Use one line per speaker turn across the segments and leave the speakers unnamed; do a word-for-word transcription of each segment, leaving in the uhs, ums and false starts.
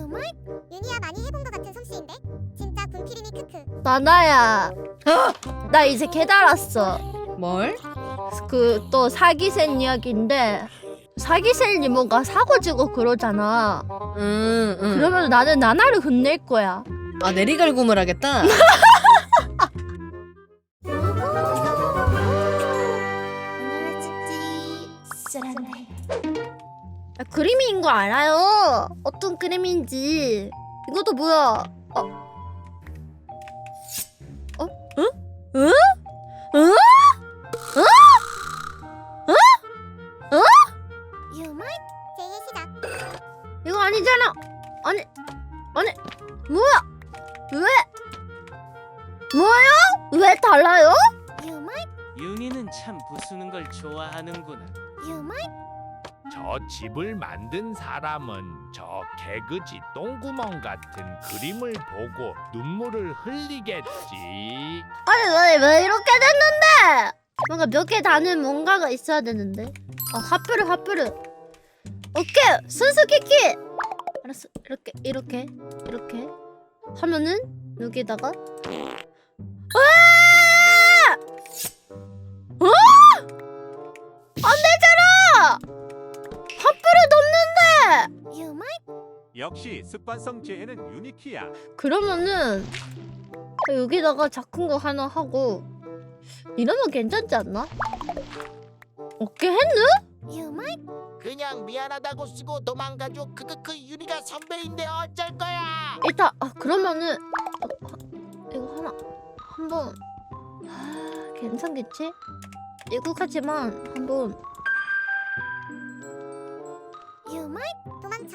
윤희야 많이 해본 것 같은 솜씨인데? 진짜 군필이니 크크.
나나야. 나 이제 깨달았어.
뭘?
그 또 사기센 이야기인데 사기센이 뭔가 사고지고 그러잖아.
응, 응.
그러면 나는 나나를 혼낼 거야.
아, 내리갈굼을 하겠다?
아, 그림인 거 알아요. 어떤 그림인지. 이것도 뭐야? 어? 어? 응? 응? 응? 응? 응? 응?
유물 제의 시작.
이거 아니잖아. 아니, 아니, 뭐야? 왜? 뭐요? 왜 달라요?
유물
윤희는 참 부수는 걸 좋아하는구나.
유물
저 집을 만든 사람은 저 개그지 똥구멍 같은 그림을 보고 눈물을 흘리겠지.
아니 왜, 왜 이렇게 됐는데? 뭔가 몇 개 다는 뭔가가 있어야 되는데. 아 하프르 하프르. 오케이 순수 키키. 알았어 이렇게 이렇게 이렇게 하면은 여기다가 와! 어? 안 되잖아. 하프르 넘는데.
유물
역시 습관성 재해는 유니키야.
그러면은 여기다가 작은 거 하나 하고 이러면 괜찮지 않나? 오케이 했누?
유물
그냥 미안하다고 쓰고 도망가줘. 크크크 유리가 선배인데 어쩔 거야.
일단 아 그러면은 어, 아, 이거 하나 한번 아, 괜찮겠지? 이거까지만 한번
유물 도망쳐.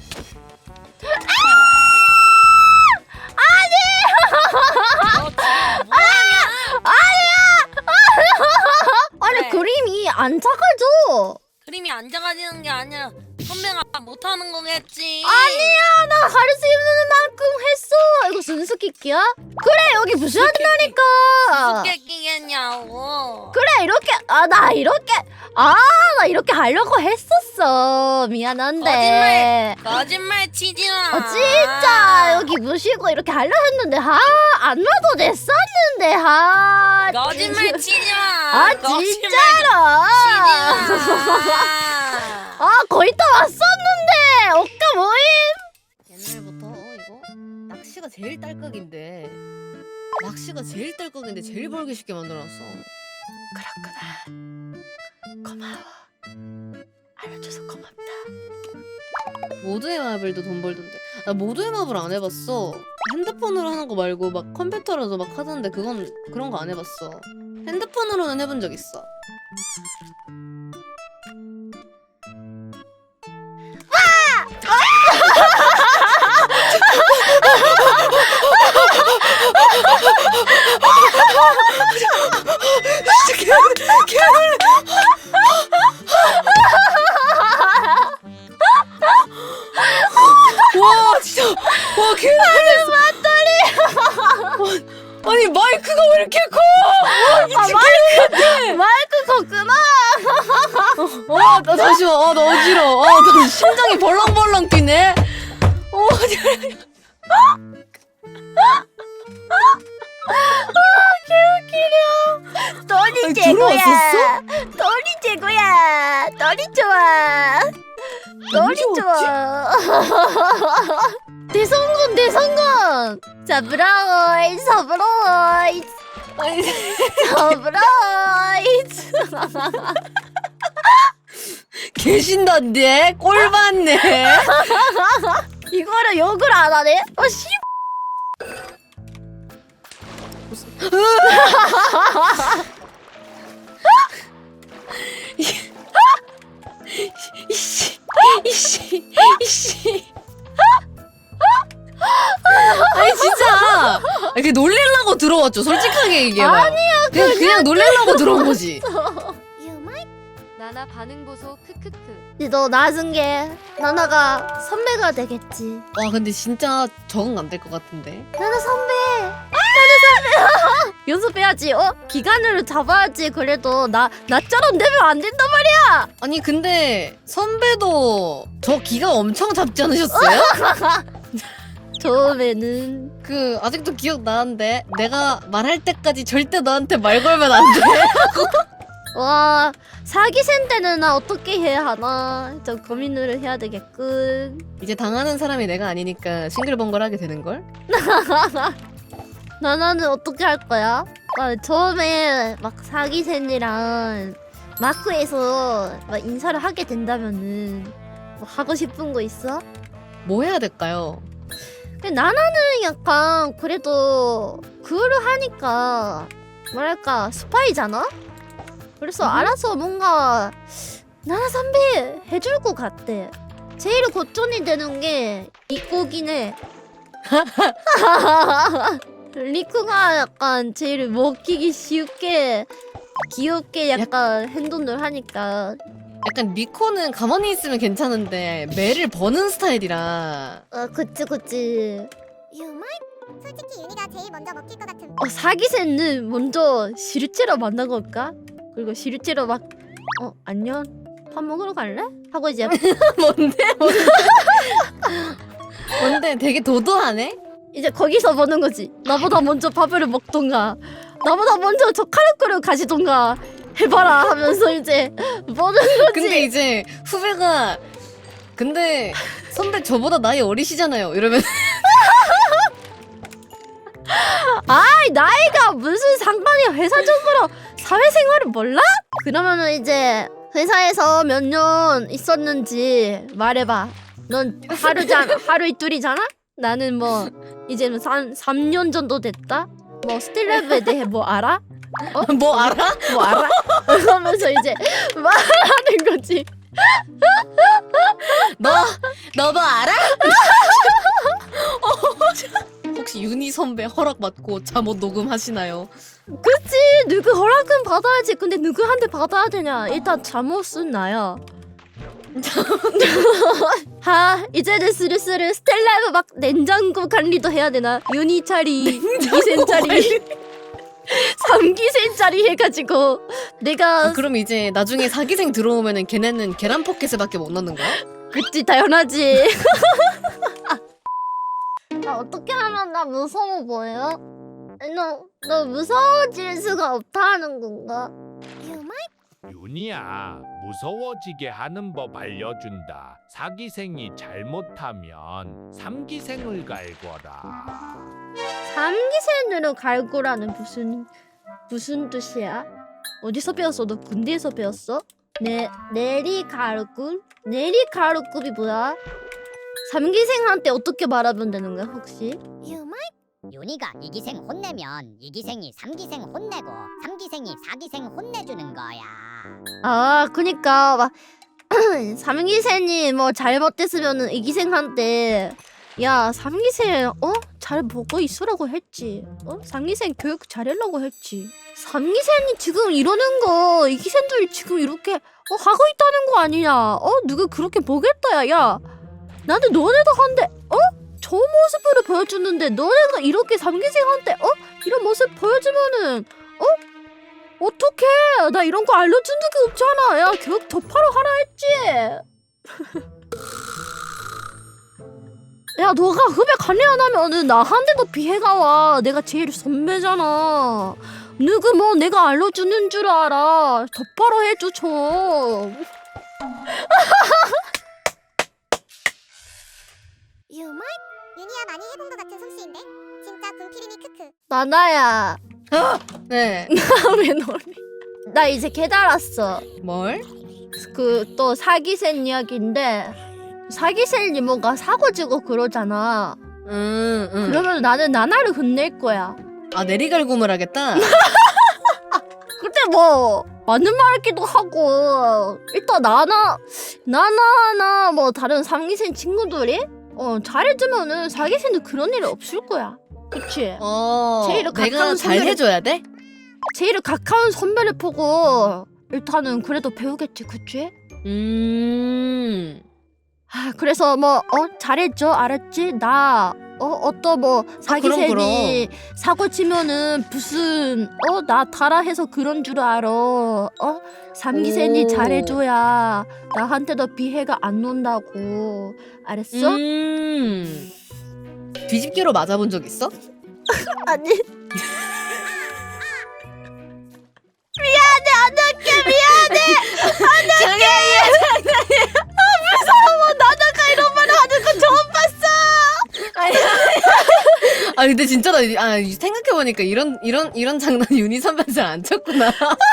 아니
네.
그림이 안 작아져.
그림이 안 작아지는 게 아니라 선배가 못하는 거겠지.
아니야 나 할 수 있는 만큼 했어. 이거 순수 키키야? 그래 여기 부셔야 된다니까.
어떻게 끼겠냐고.
그래 이렇게 아 나 이렇게 아 나 이렇게 하려고 했었어. 미안한데.
거짓말 치지 마.
어 진짜 여기 무시고 이렇게 하려 했는데 아안 놔도 됐었는데 아
거짓말 치지 마.
아
거짓말
진짜로
치지 마.
아 거의 다 왔었는데 어까 뭐임.
옛날부터 이거 낚시가 제일 딸깍인데 낚시가 제일 딸깍인데 제일 벌기 쉽게 만들어놨어.
그렇구나. 고마워. 알려줘서 고맙다.
모두의 마블도 돈 벌던데. 나 모두의 마블 안 해봤어. 핸드폰으로 하는 거 말고 막 컴퓨터로도 막 하던데 그건 그런 거 안 해봤어. 핸드폰으로는 해본 적 있어. 와 진짜 와 개놀랐어. 아니 마이크가 왜 이렇게 커?
아 마이크 마이크 컸구나.
와, 나 잠시만. 아, 나 어지러워. 아, 나 심장이 벌렁벌렁 뛰네. 어,
너리
아니,
최고야.
들어왔었어?
너리 최고야. 너리 좋아. 너리
언제
좋아. 대성공 대성공. 서브라이즈 서브라이즈
아니,
서브라이즈.
계신던데? 꼴 봤네.
이거를 욕을 안 하네? 어 씨.
이씨, 이씨, 이씨. 아니 진짜. 이렇게 놀래려고 들어왔죠. 솔직하게 얘기해봐.
아니야,
그냥 그냥 놀래려고 들어온 거지.
유물
나나 반응 보소 크크크.
너 나중에 나나가 선배가 되겠지.
와 근데 진짜 적응 안 될 것 같은데.
나나 선배. 나나 선배. 연습해야지. 어? 기간을 잡아야지. 그래도 나 나처럼 되면 안 된단 말이야.
아니 근데 선배도 저 기가 엄청 잡지 않으셨어요?
처음에는
그 아직도 기억나는데 내가 말할 때까지 절대 너한테 말 걸면 안 돼.
와 사기센 때는 나 어떻게 해야 하나 좀 고민을 해야 되겠군.
이제 당하는 사람이 내가 아니니까 싱글벙글하게 되는걸?
나나는 어떻게 할 거야? 아, 처음에 막 사기센이랑 마크에서 막 인사를 하게 된다면은 뭐 하고 싶은 거 있어?
뭐 해야 될까요?
근데 나나는 약간 그래도 그거를 하니까 뭐랄까 스파이잖아? 그래서
음.
알아서 뭔가 나나 선배 해줄 것 같대. 제일 고전이 되는 게 리코긴 해. 리코가 약간 제일 먹히기 쉽게 귀엽게 약간 행동을 하니까.
약간 리코는 가만히 있으면 괜찮은데 매를 버는 스타일이라.
아 그치 그치.
유말? 솔직히 윤희가 제일 먼저 먹힐 것 같은.
어 사기새는 먼저 실제로 만나볼까? 그리고 실제로 막 어 안녕 밥 먹으러 갈래? 하고 이제
뭔데? 뭔데? 뭔데? 되게 도도하네?
이제 거기서 보는 거지. 나보다 먼저 밥을 먹던가 나보다 먼저 젓가락으로 가시던가 해봐라 하면서 이제 보는 거지.
근데 이제 후배가 근데 선배 저보다 나이 어리시잖아요 이러면
아이 나이가 무슨 상관이야. 회사적으로 사회생활을 몰라? 그러면은 이제 회사에서 몇 년 있었는지 말해봐. 넌 하루잖아. 하루 이틀이잖아? 나는 뭐 이제 한 삼 년 정도 됐다? 뭐 스틸랩에 대해 뭐 알아?
뭐 알아?
뭐 알아? 그러면서 이제 말하는 거지.
너? 너 뭐 알아? 혹시 윤희 선배 허락 받고 잠옷 녹음하시나요?
그치 누구 허락은 받아야지. 근데 누구한테 받아야 되냐. 일단 잠옷은 나야. 하 이제는 슬슬 스텔라이브 막 냉장고 관리도 해야 되나. 유니 차리 이기센 차리 삼기센 짜리 해가지고 내가
아, 그럼 이제 나중에 사기생 들어오면은 걔네는 계란 포켓을밖에 못 넣는 거야?
그치 당연하지. 나 어떻게 하면 나 무서워 보여? 너, 너 무서워질 수가 없다는 건가?
유말?
윤희야, 무서워지게 하는 법 알려준다. 사기생이 잘못하면 삼기생을 갈거라.
삼기센으로 갈고라는 무슨 무슨 뜻이야? 어디서 배웠어? 너 군대에서 배웠어? 네 내리 갈군? 내리 갈군이 뭐야? 삼기생한테 어떻게 말하면 되는 거야 혹시?
유말?
윤희가 이기생 혼내면 이기생이 삼기생 혼내고 삼기생이 사기생 혼내주는 거야.
아 그니까 막 삼기생이 뭐 잘못됐으면은 이기생한테 야 삼기생 어? 잘 보고 있으라고 했지. 어? 삼기생 교육 잘하려고 했지. 삼기생이 지금 이러는 거 이기생들이 지금 이렇게 어, 하고 있다는 거 아니냐. 어? 누구 그렇게 보겠다 야. 야 나는 너네도 한데 어? 저 모습으로 보여주는데 너네가 이렇게 삼기생한테 어? 이런 모습 보여주면은 어? 어떡해. 나 이런 거 알려준 적이 없잖아. 야 교육 덮하러 하라 했지. 야 너가 후배 관리 안 하면은 나한테도 피해가 와. 내가 제일 선배잖아. 누구 뭐 내가 알려주는 줄 알아. 덮하러 해줘 좀.
유말? 윤희야 많이 해본 것 같은 솜씨인데? 진짜 군필이니 크크.
나나야.
네.
왜 너래? 나 이제 깨달았어.
뭘?
그 또 사기센 이야기인데 사기센 이모가 사고 치고 그러잖아.
응, 응.
그러면 나는 나나를 혼낼 거야.
아 내리갈굼을 하겠다?
근데 뭐 맞는 말이기도 하고 일단 나나 나나나 뭐 다른 삼기생 친구들이 어 잘해주면은 사기생도 그런 일이 없을 거야. 그치?
어
제일
내가
가까운
잘
선배를-
해줘야 돼?
제일 가까운 선배를 보고 일단은 그래도 배우겠지. 그치?
음.
아, 그래서 뭐 어 잘했죠 알았지 나 어 어떤 뭐 사기생이 사고 치면은 무슨 어 나 타라해서 그런 줄 알아. 어 삼기생이
오.
잘해줘야 나한테도 피해가 안 온다고. 알았어?
음. 뒤집기로 맞아본 적 있어?
아니. 미안해 안 할게 미안해 안 할게 장난이야. 아 무서워 나나가 이런 말 하는 거 처음 봤어.
아니, 아 근데 진짜 나 아, 생각해 보니까 이런 이런 이런 장난 윤희 선배 잘 안 쳤구나.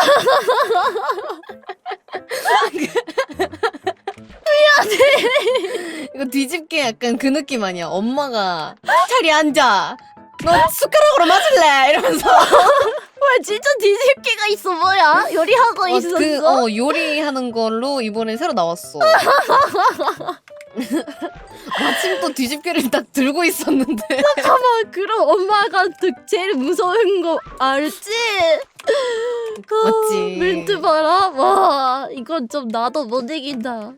미안해. 이거 뒤집기 약간 그 느낌 아니야? 엄마가 자리 앉아. 너 숟가락으로 맞을래? 이러면서.
왜 진짜 뒤집기가 있어 뭐야? 요리하고
어,
있었어?
그, 어, 요리하는 걸로 이번에 새로 나왔어. 마침 또 뒤집기를 딱 들고 있었는데.
잠깐만 그럼 엄마가 그 제일 무서운 거 알지?
맞지.
멘트 봐라. 와 이건 좀 나도 못 이긴다.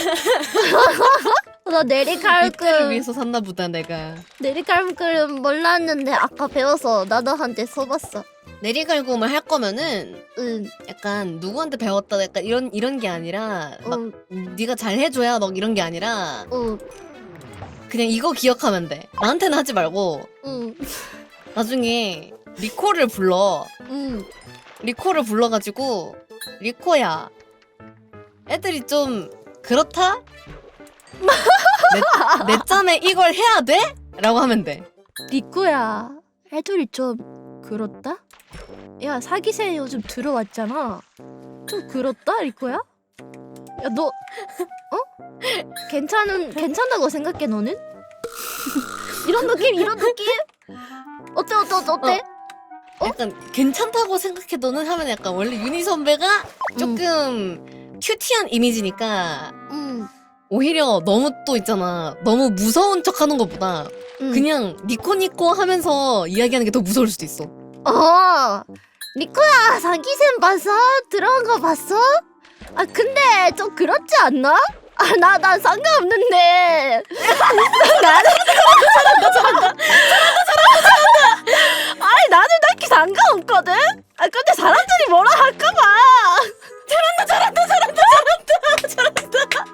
나
이때를
내리칼끔
위해서 샀나 보다 내가.
내리칼끔 몰랐는데 아까 배워서 나도한테 써봤어.
내리갈굼을 할 거면은
응.
약간 누구한테 배웠다 약간 이런 이런 게 아니라 막
응.
네가 잘 해줘야 막 이런 게 아니라
응.
그냥 이거 기억하면 돼. 나한테는 하지 말고
응.
나중에 리코를 불러.
응.
리코를 불러가지고 리코야 애들이 좀 그렇다? 내, 내 짬에 이걸 해야 돼? 라고 하면 돼.
리코야 애들이 좀 그렇다? 야 사기세 요즘 들어왔잖아. 좀 그렇다 리코야? 야 너 어? 괜찮은 괜찮다고 생각해 너는? 이런 느낌 이런 느낌? 어때 어때 어때 어때?
약간 괜찮다고 생각해 너는 하면 약간 원래 윤희 선배가 조금 큐티한 이미지니까
응.
오히려 너무 또 있잖아. 너무 무서운 척 하는 것보다
응.
그냥 니코니코 하면서 이야기하는 게 더 무서울 수도 있어.
어 리코야 사기샘 봤어? 들어간 거 봤어? 아 근데 좀 그렇지 않나? 아 나 나 상관없는데 나는 잘한다 잘한다 잘한다 잘한다 아니 나는 딱히 상관없거든? 아 근데 사람들이 뭐라 할까봐 잘한다 잘한다 잘한다 잘한다 잘한다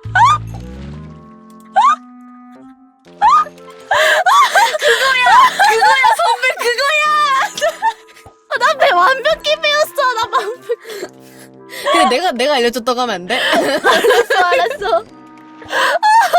그거야 선배 그거야 나 배 완벽히 배웠어 나 완벽히
근데 내가 내가 알려줬다고 하면 안 돼?
알았어 알았어